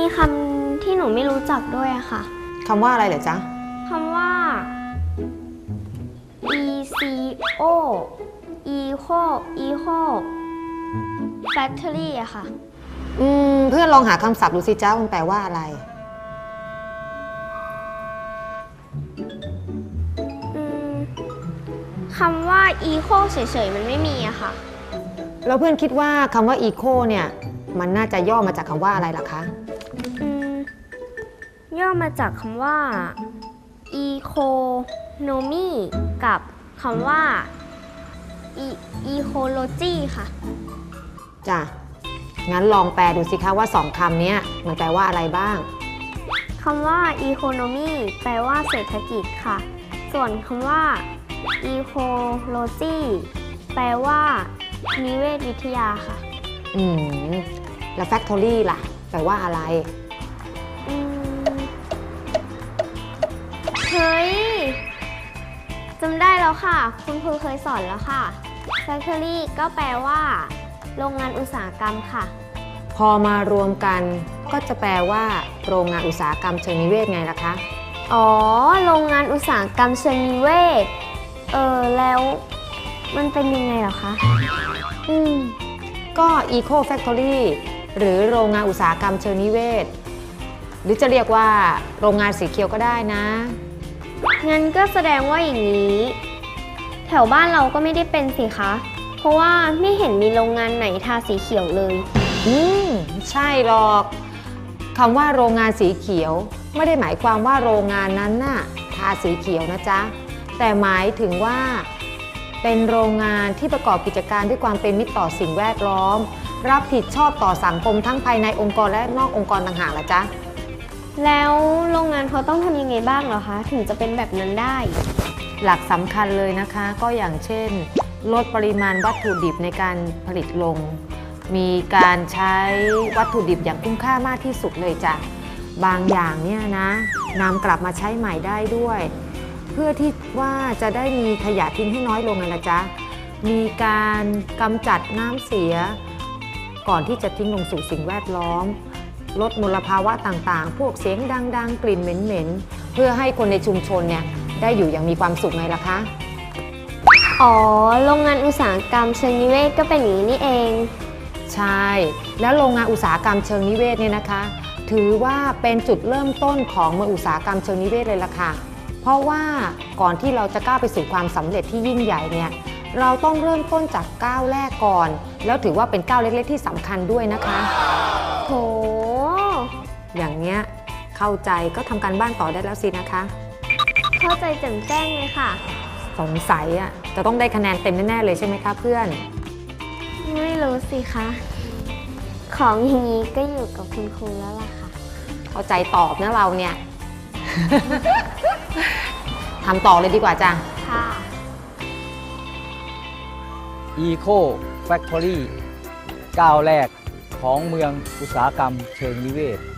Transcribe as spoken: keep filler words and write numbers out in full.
คำที่หนูไม่รู้จักด้วยอะค่ะคำว่าอะไรเหรอจ๊ะคำว่า eco eco eco factory อะค่ะอืมเพื่อนลองหาคำศัพท์ดูสิจ้ามันแปลว่าอะไรคำว่า eco เฉยๆมันไม่มีอะค่ะแล้วเพื่อนคิดว่าคำว่า eco เนี่ยมันน่าจะย่อมาจากคำว่าอะไรล่ะคะอืมย่อมาจากคำว่า economy กับคำว่า ecology ค่ะจ้ะงั้นลองแปลดูสิคะว่าสองคำนี้มันแปลว่าอะไรบ้างคำว่า economy แปลว่าเศรษฐกิจค่ะส่วนคำว่า ecology แปลว่านิเวศวิทยาค่ะอืมแล้ว factory ล่ะแปลว่าอะไรอืมเฮ้ยจำได้แล้วค่ะคุณครูเคยสอนแล้วค่ะ factory ก็แปลว่าโรงงานอุตสาหกรรมค่ะพอมารวมกันก็จะแปลว่าโรงงานอุตสาหกรรมเชิงนิเวศไงล่ะคะอ๋อโรงงานอุตสาหกรรมเชิงนิเวศเออแล้วมันเป็นยังไงเหรอคะอืมก็ Eco Factory หรือโรงงานอุตสาหกรรมเชิงนิเวศหรือจะเรียกว่าโรงงานสีเขียวก็ได้นะงั้นก็แสดงว่าอย่างนี้แถวบ้านเราก็ไม่ได้เป็นสิคะเพราะว่าไม่เห็นมีโรงงานไหนทาสีเขียวเลยอืมใช่หรอกคำว่าโรงงานสีเขียวไม่ได้หมายความว่าโรงงานนั้นน่ะทาสีเขียวนะจ๊ะแต่หมายถึงว่าเป็นโรงงานที่ประกอบกิจการด้วยความเป็นมิตรต่อสิ่งแวดล้อมรับผิดชอบต่อสังคมทั้งภายในองค์กรและนอกองค์กรต่างหากละจ๊ะแล้วโรงงานเขาต้องทำยังไงบ้างเหรอคะถึงจะเป็นแบบนั้นได้หลักสำคัญเลยนะคะก็อย่างเช่นลดปริมาณวัตถุดิบในการผลิตลงมีการใช้วัตถุดิบอย่างคุ้มค่ามากที่สุดเลยจ้ะบางอย่างเนี่ยนะนำกลับมาใช้ใหม่ได้ด้วยเพื่อที่ว่าจะได้มีขยะทิ้งให้น้อยลงไงล่ะจ๊ะมีการกำจัดน้ำเสียก่อนที่จะทิ้งลงสู่สิ่งแวดล้อมลดมลภาวะต่างๆพวกเสียงดังๆกลิ่นเหม็นๆเพื่อให้คนในชุมชนเนี่ยได้อยู่อย่างมีความสุขไงล่ะคะอ๋อโรงงานอุตสาหกรรมเชิงนิเวศก็เป็นอย่างนี้นี่เองใช่แล้วโรงงานอุตสาหกรรมเชิงนิเวศเนี่ยนะคะถือว่าเป็นจุดเริ่มต้นของเมืองอุตสาหกรรมเชิงนิเวศเลยล่ะค่ะเพราะว่าก่อนที่เราจะก้าวไปสู่ความสำเร็จที่ยิ่งใหญ่เนี่ยเราต้องเริ่มต้นจากก้าวแรกก่อนแล้วถือว่าเป็นก้าวเล็กๆที่สำคัญด้วยนะคะโถอย่างเนี้ยเข้าใจก็ทำการบ้านต่อได้แล้วสินะคะเข้าใจแจ่มแจ้งเลยค่ะสงสัยอ่ะจะต้องได้คะแนนเต็มแน่ๆเลยใช่ไหมคะเพื่อนไม่รู้สิคะของอย่างนี้ก็อยู่กับคุณครูแล้วล่ะค่ะเข้าใจตอบนะเราเนี่ย ทำต่อเลยดีกว่าจ้ะค่ะ Eco Factory ก้าวแรกของเมืองอุตสาหกรรมเชิงนิเวศ